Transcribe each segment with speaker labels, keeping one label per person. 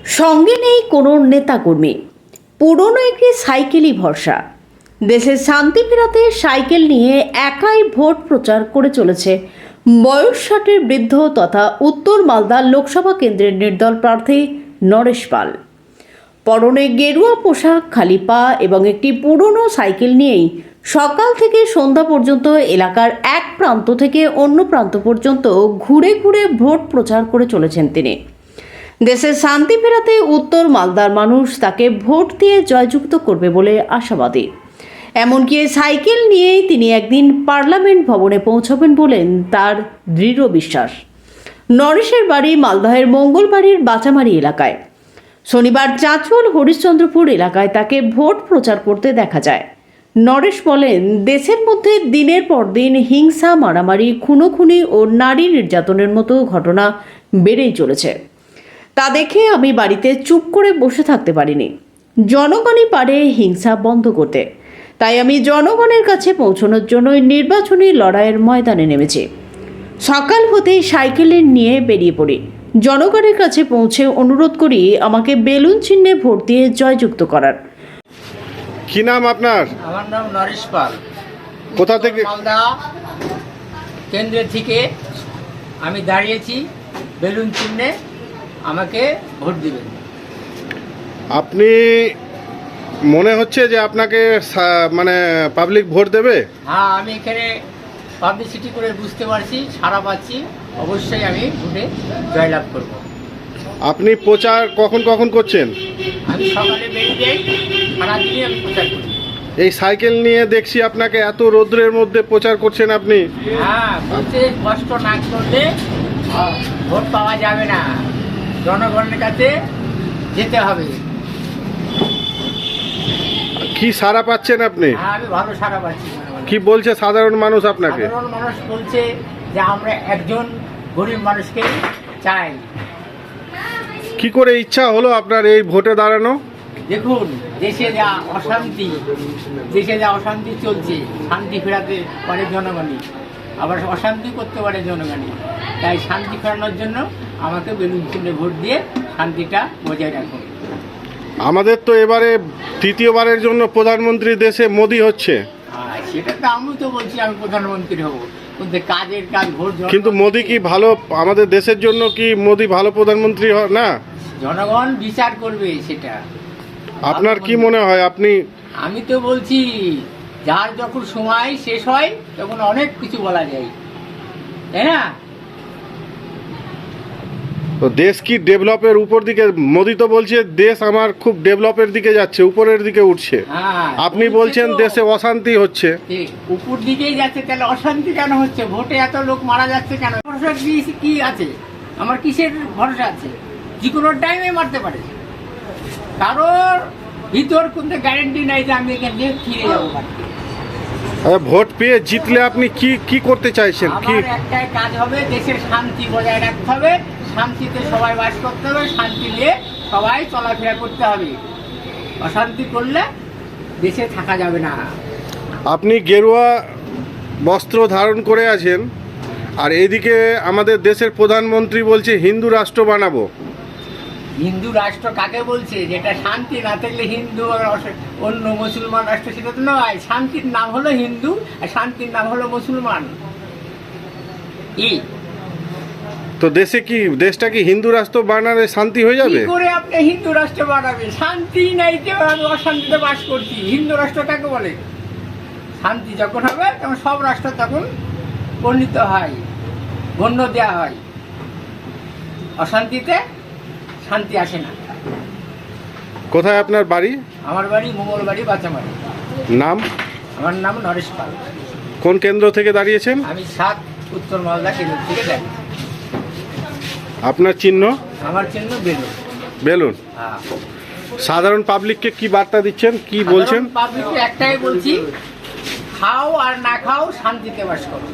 Speaker 1: সঙ্গে নেই কোনো নেতাকর্মী, পুরনো একটি সাইকেলই ভরসা। দেশের শান্তি ফেরাতে সাইকেল নিয়ে একাই ভোট প্রচার করে চলেছে বয়স 60-এর বৃদ্ধ তথা উত্তর মালদা লোকসভা কেন্দ্রের নির্দল প্রার্থী নরেশ পাল। পরনে গেরুয়া পোশাক, খালি পা এবং একটি পুরনো সাইকেল নিয়েই সকাল থেকে সন্ধ্যা পর্যন্ত এলাকার এক প্রান্ত থেকে অন্য প্রান্ত পর্যন্ত ঘুরে ঘুরে ভোট প্রচার করে চলেছেন তিনি। দেশের শান্তি ফেরাতে উত্তর মালদার মানুষ তাকে ভোট দিয়ে জয়যুক্ত করবে বলে আশাবাদী। এমনকি সাইকেল নিয়েই তিনি একদিন পার্লামেন্ট ভবনে পৌঁছাবেন বলেন তার দৃঢ় বিশ্বাস। নরেশের বাড়ি মালদহের মঙ্গলবাড়ির বাচামারি এলাকায়। শনিবার চাঁচল হরিশ্চন্দ্রপুর এলাকায় তাকে ভোট প্রচার করতে দেখা যায়। নরেশ বলেন, দেশের মধ্যে দিনের পর দিন হিংসা, মারামারি, খুনোখুনি ও নারী নির্যাতনের মতো ঘটনা বেড়েই চলেছে। তা দেখে আমি বাড়িতে চুপ করে বসে থাকতে পারিনি। জনগণই পারে হিংসা বন্ধ করতে, তাই আমি জনগণের কাছে পৌঁছানোর জন্যই নির্বাচনী লড়াইয়ের ময়দানে নেমেছি। সকাল হতেই সাইকেলে নিয়ে বেরিয়ে পড়ি। জনগণের কাছে পৌঁছে অনুরোধ করি আমাকে বেলুন চিহ্নে ভোট দিয়ে জয়যুক্ত করার।
Speaker 2: কি নাম আপনার?
Speaker 3: আমার নাম নরেশ পাল।
Speaker 2: কোথা থেকে?
Speaker 3: মালদা কেন্দ্রের থেকে আমি দাঁড়িয়েছি। বেলুন চিহ্নে আমাকে ভোট দিবেন।
Speaker 2: আপনি মনে হচ্ছে যে আপনাকে মানে পাবলিক ভোট দেবে?
Speaker 3: হ্যাঁ, আমি এখানে পাবলিসিটি করে বুঝতে পারছি, সারা পাচ্ছি। অবশ্যই আমি ভোটে জয়লাভ করব।
Speaker 2: আপনি প্রচার কখন কখন করছেন?
Speaker 3: আমি সকালে বেরিয়ে যাই, সারাদিনই আমি প্রচার করি।
Speaker 2: এই সাইকেল নিয়ে দেখছি আপনাকে এত রৌদ্রের মধ্যে প্রচার করছেন আপনি।
Speaker 3: হ্যাঁ, বলছে কষ্ট না করলে ভোট পাওয়া যাবে না, জনগণের কাছে যেতে হবে।
Speaker 2: কি সাড়া পাচ্ছেন আপনি?
Speaker 3: হ্যাঁ, আমি ভালো সারা পাচ্ছি।
Speaker 2: কি বলছে সাধারণ মানুষ আপনাকে?
Speaker 3: সাধারণ মানুষ বলছে যে আমরা একজন গরিব মানুষকে চাই।
Speaker 2: কি করে ইচ্ছা হলো আপনার এই ভোটে দাঁড়ানো?
Speaker 3: দেখুন, দেশে যা অশান্তি চলছে, শান্তি ফেরাতে পারে জনগণই, আবার অশান্তি করতে পারে জনগণই। তাই শান্তি ফেরানোর জন্য আমাকে বেলুন চিহ্নে ভোট দিয়ে শান্তিটা বজায় রাখুন।
Speaker 2: আমাদের তো এবারে তৃতীয়বারের জন্য প্রধানমন্ত্রী দেশে মোদি হচ্ছে।
Speaker 3: সেটা তো আমি তো বলছি আমি প্রধানমন্ত্রী হব, কিন্তু কাজের কাজ ভোট।
Speaker 2: কিন্তু মোদি কি ভালো আমাদের দেশের জন্য? কি মোদি ভালো প্রধানমন্ত্রী না?
Speaker 3: জনগণ বিচার করবে সেটা।
Speaker 2: আপনার কি মনে হয়?
Speaker 3: আমি তো বলছি, যার যখন সময় শেষ হয় তখন অনেক কিছু বলা যায়, তাই না?
Speaker 2: তো দেশ কি ডেভেলপের উপর দিকে? মোদি তো বলছে দেশ আমার খুব ডেভেলপের দিকে যাচ্ছে, উপরের দিকে উঠছে।
Speaker 3: হ্যাঁ,
Speaker 2: আপনি বলছেন দেশে অশান্তি হচ্ছে।
Speaker 3: উপর দিকেই যাচ্ছে, তাহলে অশান্তি কেন হচ্ছে? ভোটে এত লোক মারা যাচ্ছে কেন? ভরসা কি আছে? আমার কিসের ভরসা আছে? যে কোনো টাইমে মারতে পারে। কারোর ভিতর কোনো গ্যারেন্টি নাই যে আমি এখান থেকে ফিরে যাবো।
Speaker 2: ভোট পেয়ে জিতলে আপনি কি কি করতে চাইছেন? কি
Speaker 3: আমার একটাই কাজ হবে, দেশের শান্তি বজায় রাখতে হবে, শান্তিতে সবাই বাস করতে হবে, শান্তি নিয়ে সবাই চলাফেরা করতে হবে। অশান্তি করলে দেশে থাকা যাবে না।
Speaker 2: আপনি গেরুয়া বস্ত্র ধারণ করে আছেন, আর এইদিকে আমাদের দেশের প্রধানমন্ত্রী বলছে হিন্দু রাষ্ট্র বানাবো।
Speaker 3: হিন্দু রাষ্ট্র কাকে বলছে? যেটা শান্তি না থাকলে হিন্দু আর অন্য মুসলমান রাষ্ট্র সেটা তো নয়। শান্তির নাম হলো হিন্দু আর শান্তির নাম হলো মুসলমান।
Speaker 2: তো দেশটা কি হিন্দু রাষ্ট্র বানালে শান্তি হয়ে যাবে?
Speaker 3: কি করে আপনি হিন্দু রাষ্ট্র বানাবেন? শান্তি নাই, কেউ আমি অশান্তিতে বাস করছি। হিন্দু রাষ্ট্র কাকে বলে? শান্তি যখন হবে তখন সব রাষ্ট্র তখন বর্ণিত হয়, গণ্য দেওয়া হয়। অশান্তিতে শান্তি আসে না।
Speaker 2: কোথায় আপনার বাড়ি?
Speaker 3: আমার বাড়ি মঙ্গলবাড়ি, বাচামারি।
Speaker 2: নাম?
Speaker 3: আমার নাম নরেশ পাল।
Speaker 2: কোন কেন্দ্র থেকে দাঁড়িয়েছেন?
Speaker 3: আমি 7 উত্তর মালদা কেন্দ্র থেকে দেখি।
Speaker 2: আপনার চিহ্ন?
Speaker 3: আমার চিহ্ন বেলুন।
Speaker 2: বেলুন।
Speaker 3: হ্যাঁ।
Speaker 2: সাধারণ পাবলিককে কি বার্তা দিচ্ছেন, কি বলছেন?
Speaker 3: পাবলিককে একটাই বলছি, খাও আর না খাও, শান্তিতে বাস করো।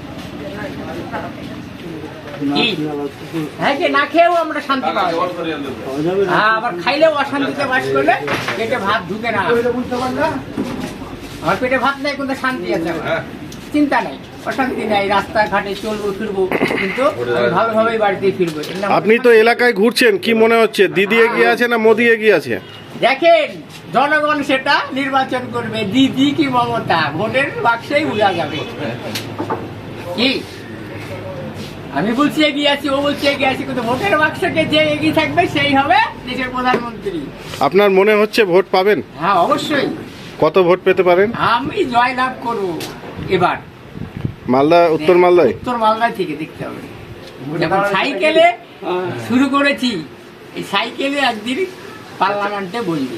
Speaker 3: হ্যাঁ, যে না খেয়েও আমরা শান্তি পাওয়া যায়। হ্যাঁ, আবার খাইলেও অশান্তিতে বাস করলে পেটে ভাত ঢুকে না। আমার পেটে ভাত নেই, কিন্তু শান্তি আছে, আমার চিন্তা নেই। অশান্তি নাই, রাস্তাঘাটে চলবো ফিরবো, কিন্তু আমি ভালোভাবেই বাড়িতে ফিরবো। এর নাম
Speaker 2: আপনি তো এলাকায় ঘুরছেন, কি মনে হচ্ছে দিদি এগিয়ে আছে না মোদি এগিয়ে আছে?
Speaker 3: দেখেন, জনগণ সেটা নির্বাচন করবে, দিদি কি মমতা, ভোটের বাক্সেই বোঝা যাবে। কি আমি বলছি এগিয়ে আছি, ও বলছে এগিয়ে আছি, কিন্তু ভোটের বাক্সকে যে এগিয়ে থাকবে সেই হবে দেশের প্রধানমন্ত্রী।
Speaker 2: আপনার মনে হচ্ছে ভোট পাবেন?
Speaker 3: হ্যাঁ, অবশ্যই
Speaker 2: কত ভোট পেতে পারেন?
Speaker 3: আমি জয়লাভ করব এবার।
Speaker 2: মালদা, উত্তর মালদায়?
Speaker 3: উত্তর মালদা থেকে দেখতে হবে। যখন সাইকেলে শুরু করেছি, এই সাইকেলে একদিন পার্লামেন্টে বলবে।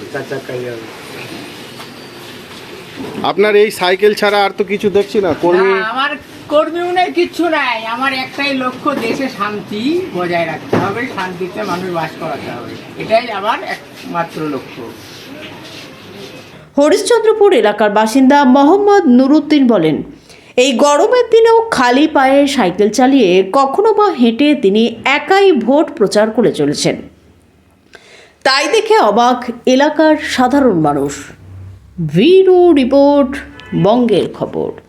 Speaker 2: আপনার এই সাইকেল ছাড়া আর তো কিছু দেখছি না কর্মী।
Speaker 3: না, আমার কর্মীও নেই, কিচ্ছু নাই। আমার একটাই লক্ষ্য, দেশে শান্তি বজায় রাখতে হবে, শান্তিতে মানুষ বাস করাতে হবে, এটাই আমার একমাত্র লক্ষ্য।
Speaker 1: হরিশ্চন্দ্রপুর এলাকার বাসিন্দা মোহাম্মদ নুরুদ্দিন বলেন, এই গরমের দিনেও খালি পায়ে সাইকেল চালিয়ে কখনো বা হেঁটে তিনি একাই ভোট প্রচার করে চলেছেন। তাই দেখে অবাক এলাকার সাধারণ মানুষ। ব্যুরো রিপোর্ট, বঙ্গের খবর।